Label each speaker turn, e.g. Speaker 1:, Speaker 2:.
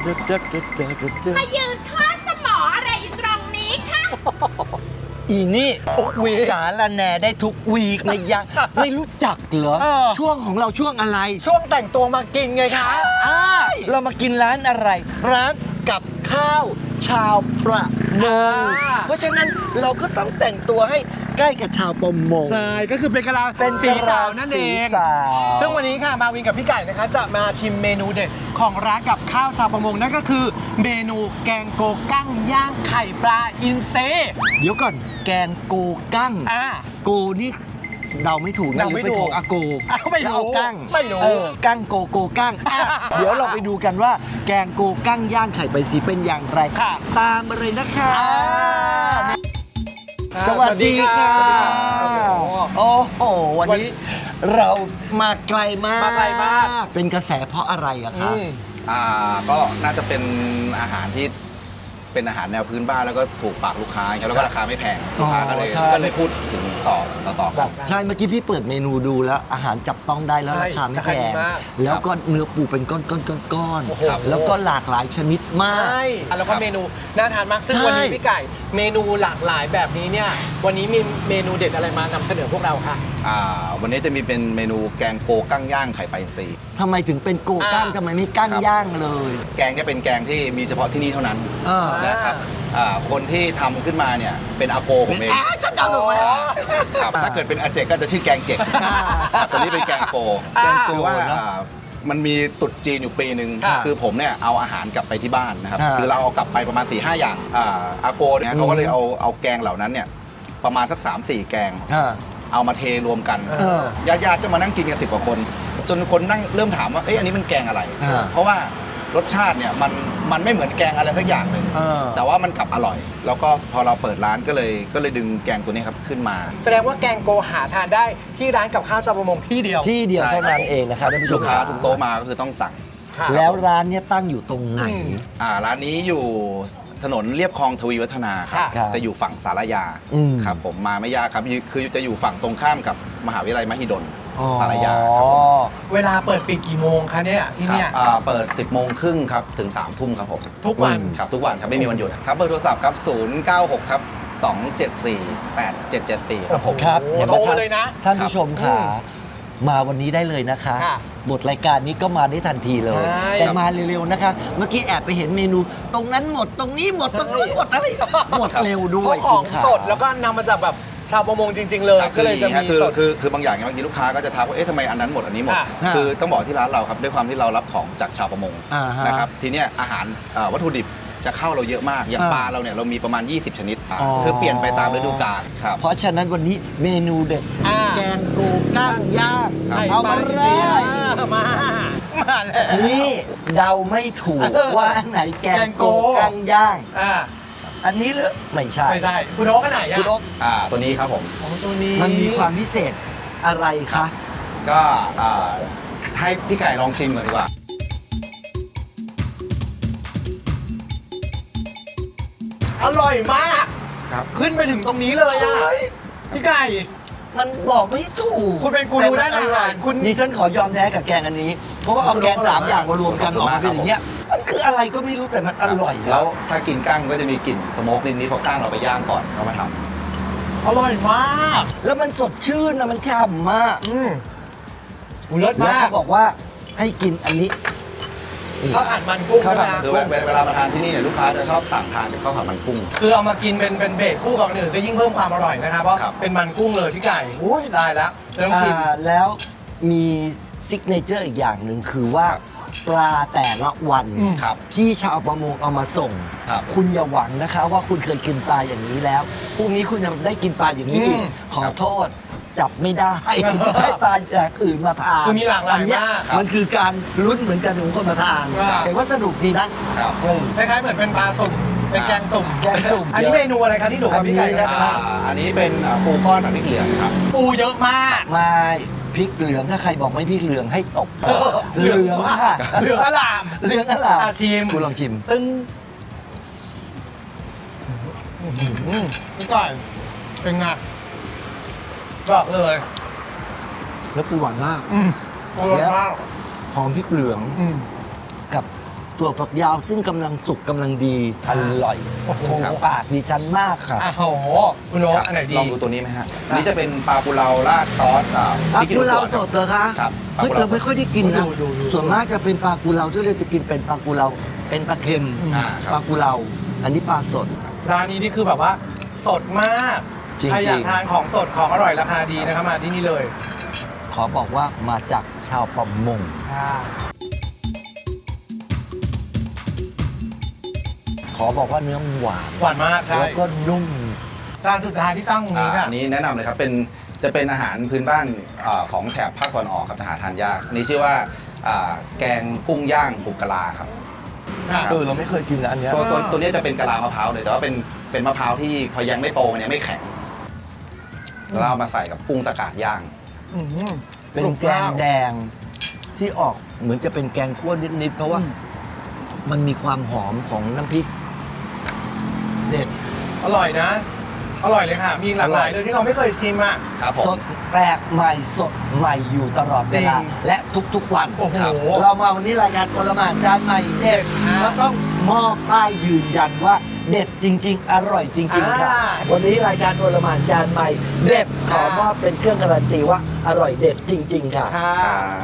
Speaker 1: มายืนทอดสมออะไรอยู่ตรงนี้คะ
Speaker 2: อีนี่ทุกวีสารแหน่ได้ทุกวีกนะยะ ไม่รู้จักเหรอ ช่วงของเราช่วงอะไร
Speaker 3: ช่วงแต่งตัวมากินไงคะ
Speaker 2: เรามากินร้านอะไร ร้านกับข้าวชาวประมงเพราะฉะนั้นเราก็ต้องแต่งตัวให้ใกล้กับชาวประมง
Speaker 3: ใช่ก็คือเป็นกะลา
Speaker 2: เป็น
Speaker 3: สีขาวนั่นเอง
Speaker 2: สีขาว
Speaker 3: ซึ่งวันนี้ค่ะมาวินกับพี่ไก่นะคะจะมาชิมเมนูเด็ดของร้านกับข้าวชาวประมงนั่นก็คือเมนูแกงโกกั้งย่างไข่ปลาอินเซ
Speaker 2: เดี๋ยวก่อนแกงโกกั้ง โกนี่เดาไม่ถูกนะ
Speaker 3: เดาไม่ถูก
Speaker 2: อาโก
Speaker 3: ไม่รู้
Speaker 2: เอากั้ง
Speaker 3: ไม่รู้
Speaker 2: กั้งโกกั้งเดี๋ยวเราไปดูกันว่าแกงโกกั้งย่างไข่ใบสีเป็นอย่างไร
Speaker 3: ค่ะ
Speaker 2: ตามมาเลยนะคะ
Speaker 3: อ่า
Speaker 2: สวัสดีค่ะ
Speaker 3: สวัสดีครับ
Speaker 2: โอ้โหวันนี้เรามาไกลมาก
Speaker 3: มาไกลมาก
Speaker 2: เป็นกระแสเพราะอะไรอะคะ
Speaker 4: ก็น่าจะเป็นอาหารที่เป็นอาหารแนวพื้นบ้านแล้วก็ถูกปากลูกค้าครับแล้วก็ราคาไม่แพงลูกค้าก็เลยพูดถึงต่อกัน
Speaker 2: ใช่เมื่อกี้พี่เปิดเมนูดูแล้วอาหารจับต้องได้แล้ว
Speaker 3: ใช่
Speaker 2: ราคาไม่แพ
Speaker 3: ราคาดี
Speaker 2: ง
Speaker 3: มาก
Speaker 2: แล้วก็เนื้อปูเป็นก้อน
Speaker 3: โอ้โห
Speaker 2: ๆแล้วก็หลากหลายชนิดมาก
Speaker 3: ใช่แล้วก็เมนูน่าทานมากซึ่ง
Speaker 2: ใช่
Speaker 3: วันนี้พี่ไก่เมนูหลากหลายแบบนี้เนี่ยวันนี้มีเมนูเด็ดอะไรมานำเสนอพวกเราคะ
Speaker 4: วันนี้จะมีเป็นเมนูแกงโกกั้งย่างไข่ปลาอินทรี
Speaker 2: ทำไมถึงเป็นโกกั้งทำไมไม่กั้งย่างเลย
Speaker 4: แกงเนี่ยเป็นแกงที่มีเฉพาะที่นี่เท่านั้น
Speaker 2: อ่า
Speaker 4: นะครับคนที่ทำขึ้นมาเนี่ยเป็นอาโกผมเอง
Speaker 2: ฉันเดาถูกไหม
Speaker 4: ครับถ้าเกิดเป็นอาเจกก็จะชื่อแกงเจกครับตัวนี้เป็นแกงโก
Speaker 2: แกงโก
Speaker 4: คือว่า
Speaker 2: เนอะ
Speaker 4: มันมีตรุษจีนอยู่ปีหนึ่ง
Speaker 3: ค่ะ
Speaker 4: คือผมเนี่ยเอาอาหารกลับไปที่บ้านนะครับ
Speaker 2: อ่า
Speaker 4: คือเราเอากลับไปประมาณ 4-5 อย่างอาโกเนี่ยเขาก็เลยเอาแกงเหล่านั้นเนี่ยประมาณสัก 3-4 แกง เอามาเทรวมกัน
Speaker 2: เออ
Speaker 4: ญาติๆก็มานั่งกินกัน10 กว่าคน จนคนนั่งเริ่มถามว่าเอ๊ะอันนี้มันแกงอะไร เพราะว่ารสชาติเนี่ยมันไม่เหมือนแกงอะไรสักอย่างหนึ่ง แต่ว่ามันกลับอร่อย แล้วก็พอเราเปิดร้านก็เลยดึงแกงตัวนี้ครับขึ้นมา
Speaker 3: แสดงว่าแกงโกหาทานได้ที่ร้านกับข้าวชาวประมงที่เดียว
Speaker 2: ที่เดียว
Speaker 4: ใช่
Speaker 2: เท่านั้นเองนะครับท่านผู้ช
Speaker 4: ลู
Speaker 2: ม
Speaker 4: กค้าทุกโต๊ะมาก็คือต้องสั่ง
Speaker 3: ค่ะ
Speaker 2: แล้วร้านเนี้ยตั้งอยู่ตรงไหน
Speaker 4: ร้านนี้อยู่ถนนเลียบคลองทวีวัฒนาครับ
Speaker 2: ค่ะ
Speaker 4: จะอยู่ฝั่งสารยา ครับผมมาไม่ยากครับคือจะอยู่ฝั่งตรงข้ามกับมหาวิทยาลัยมหิดลสารยาครับผม
Speaker 3: เวลาเปิดปิดกี่โมงคะเนี่ยที่เนี่ย
Speaker 4: ครับเปิด 10 โมงครึ่งครับถึง 3 ทุ่มครับผม
Speaker 3: ทุกวัน
Speaker 4: ครับทุกวันครับไม่มีวันหยุดครับเบอร์โทรศัพท์ครับ096ครับ274 8774ครับผม
Speaker 2: ครับ
Speaker 3: โอ้โห
Speaker 2: เห็นไหม
Speaker 3: โทร
Speaker 2: ครับ
Speaker 3: เลยนะ
Speaker 2: ท่านผู้ชมค่ะ
Speaker 3: อืม
Speaker 2: มาวันนี้ได้เลยนะคะ
Speaker 3: ค่ะ
Speaker 2: บทรายการนี้ก็มาได้ทันทีเลย
Speaker 3: ใช่
Speaker 2: แต่มาเร็วๆนะคะ เมื่อกี้แอบไปเห็นเมนู ตรงนั้นหมดตรงนี้หมดตรงนู้นหมดอะไรหมดเร็วด้
Speaker 3: พ
Speaker 2: ว
Speaker 3: วย กของ
Speaker 2: คุณขา
Speaker 3: สดแล้วก็นำมาจากแบบชาวประมงจริง ๆ เลย
Speaker 4: ครับ
Speaker 3: ก็เลยจะมีสด
Speaker 4: คือบางอย่างเนี่ยบางทีลูกค้าก็จะทักว่าเอ๊ะทำไมอันนั้นหมดอันนี้หมด
Speaker 3: ค่ะ
Speaker 4: คือต้องบอกที่ร้านเราครับด้วยความที่เรารับของจากชาวประมง
Speaker 2: อ่าฮะ
Speaker 4: นะครับทีเนี้ยอาหารวัตถุดิบจะเข้าเราเยอะมากอย่าง
Speaker 2: อ่า
Speaker 4: ปลาเราเนี่ยเรามีประมาณ 20 ชนิด
Speaker 2: อ๋อ
Speaker 4: คือเปลี่ยนไปตามฤดูกาลครับ
Speaker 2: เพราะฉะนั้นวันนี้เมนูเด็ด แกงโกกั้งย่าง
Speaker 4: ครับ
Speaker 2: เอามาเลย
Speaker 3: มาแล้ว
Speaker 2: นี่เดาไม่ถูกว่าอันไหนแกงโกกั้งย่าง อันนี้เหรือไม่ใช่
Speaker 3: ไม่ใช่คุณโอ๊กอันไหนอะ
Speaker 2: คุณโอ๊ค
Speaker 4: ตัวนี้ครับผม
Speaker 3: ของตัวนี้
Speaker 2: มันมีความพิเศษอะไรคะ
Speaker 4: ก็ให้พี่ไก่ลองชิมก่อนดีกว่า
Speaker 3: อร่อยมาก
Speaker 4: ครับ
Speaker 3: ขึ้นไปถึงตรงนี้เลยอะพี่ไก่
Speaker 2: มันบอกไม่ถูก
Speaker 3: คุณเป็นกูรูด้านอาหารคุณ
Speaker 2: ดิฉันขอยอมแพ้กับแกงอันนี้ เพราะว่าเอาแกง3 อย่างมารวมกันออกมาเป็นอย่างเงี้ยมันคืออะไรก็ไม่รู้แต่มันอร่อย
Speaker 4: แล้วถ้ากินกั้งก็จะมีกลิ่นสโมกนิดๆเพราะกั้งเราไปย่างก่อนเรามาทำ
Speaker 3: อร่อยมาก
Speaker 2: แล้วมันสดชื่นนะมันฉ่ำมาก
Speaker 3: เลิศ
Speaker 2: แล้ว
Speaker 3: มาก
Speaker 2: เขาบอกว่าให้กินอันนี้
Speaker 3: ข้าวผัดมันกุ้ง
Speaker 2: ข้าวผัด
Speaker 3: นะ
Speaker 4: คือเวลามาทานที่นี่เนี่ยลูกค้าจะชอบสั่งทานเป็นข้าวผัดมันกุ้ง
Speaker 3: คือเอามากินเป็นเบสคู่กับอันอื่นก็ยิ่งเพิ่มความอร่อยนะครับเพราะ
Speaker 4: ครับ
Speaker 3: เป็นมันกุ้งเลยพี่ไก่โอ้ยได้แล้วเริ่มชิม
Speaker 2: แล้วมีซิกเนเจอร์อีกอย่างหนึ่งคือว่าปลาแต่ละวัน
Speaker 4: ครับ
Speaker 2: ที่ชาวประมงเอามาส่ง
Speaker 4: ครับ
Speaker 2: คุณอย่าหวังนะคะว่าคุณเคยกินปลาอย่างนี้แล้วพรุ่งนี้คุณจะได้กินปลาอย่างนี้อีกขอโทษจับไม่ได้ ให้ปลาจากอื่นมาทาน
Speaker 3: คือมีหลากหลาย
Speaker 2: อันเนี้
Speaker 3: มาก
Speaker 2: มันคือการลุ้นเหมือนกันของคนมาทาน
Speaker 3: ครับ
Speaker 2: แต่ว่าสนุกดีนะครับ
Speaker 3: คล้ายๆเหมือนเป็นปลาสุ่มเป็นแกงสุ่ม
Speaker 2: แกงสุ่ม
Speaker 3: อันนี้เมนูอะไรครับที่ถูกกับพี่ไก่
Speaker 2: อันนี้
Speaker 3: นะ
Speaker 2: นะ
Speaker 3: ค
Speaker 2: ครั
Speaker 3: รับ
Speaker 2: บ
Speaker 4: อันนี้เป็นปูก้อนผัดพริกเหลืองครับ
Speaker 3: ปูเยอะมาก
Speaker 2: ไม่พริกเหลืองถ้าใครบอกไม่พริกเหลืองให้ตบเหลืองค่ะ
Speaker 3: เหลืองอลาม
Speaker 2: เหลืองอะไร
Speaker 3: อ่ะชิม
Speaker 2: คุณลองชิม
Speaker 3: ตึ้งพี่ไก่เป็นไงบอกเลย
Speaker 2: แล้วปูหวานมาก
Speaker 3: อร่อยมาก
Speaker 2: หอมพริกเหลืองกับถั่วฝักยาวซึ่งกำลังสุกกำลังดีอร่อยถูกปากดิฉันมากค่ะ
Speaker 3: โอ้โหคุณโน้ต
Speaker 4: ครับ
Speaker 3: อันไหนดี
Speaker 4: ลองดูตัวนี้ไหมฮะอันนี้จะเป็นปลาปูเราราดซอส
Speaker 2: ปลา
Speaker 4: พริกขี้ห
Speaker 2: กุ
Speaker 4: นู
Speaker 2: เลา
Speaker 4: สวน
Speaker 2: สดเหรอคะ
Speaker 4: ครับ
Speaker 2: เฮ้ย
Speaker 4: ปลากุเลา
Speaker 2: เราไม่ค่อยได้กินนะ
Speaker 3: ดู
Speaker 2: ส่วนมากจะเป็นปลากุเลาที่เราจะกินเป็นปลากุเลาเป็นปลาเค็ม
Speaker 4: ครับ
Speaker 2: ปลากุเลาอันนี้ปลาสด
Speaker 3: ร้านนี้นี่คือแบบว่าสดมาก
Speaker 2: จริงๆ
Speaker 3: ใครอยากทานของสดของอร่อยราคาดีนะครับมาที่นี่เลย
Speaker 2: ขอบอกว่ามาจากชาวประมง ขอบอกว่าเนื้อหวาน
Speaker 3: หวานมากใช่
Speaker 2: แล้วก็นุ่ม
Speaker 3: จานสุดท้ายที่ตั้งตรงนี้ค่ะ
Speaker 4: อันนี้แนะนำเลยครับจะเป็นอาหารพื้นบ้านของแถบภาคตะวันออกครับจะหาทานยากอันนี้ชื่อว่าแกงกุ้งย่างบุกกะลาครับ
Speaker 2: เราไม่เคยกินนะอันเนี้ย
Speaker 4: ตัวนี้จะเป็นกะลามะพร้าวเลยแต่ว่าเป็นมะพร้าวที่พอยังไม่โตมันยังไม่แข็งแล้วเราเอามาใส่กับกุ้งตะกาดย่าง
Speaker 2: เป็นแกงแดงที่ออกเหมือนจะเป็นแกงคั่วนิดๆเพราะว่ามันมีความหอมของน้ำพริกเด็ด
Speaker 3: อร่อยนะ อร่อยเลยค่ะ มีหลากหลายเลยที่เราไม่เคยชิมอ่ะ
Speaker 4: ครับผ
Speaker 2: ส
Speaker 4: ม
Speaker 2: ดแปลกใหม่สดใหม่อยู่ตลอดเวลา
Speaker 3: จริง
Speaker 2: และทุกๆวัน
Speaker 3: โอ้โห
Speaker 2: ครับเรามาวันนี้รายการโอลหม่านจานใหม่เด็ดก็ต้องมอบป้ายยืนยันว่าเด็ดจริง ๆ อร่อยจริง ๆ ค่ะ วันนี้รายการโอลหม่านจานใหม่เด็ดขอมอบเป็นเครื่องการันตีว่าอร่อยเด็ดจริง ๆ ค่ะ
Speaker 3: ค่ะ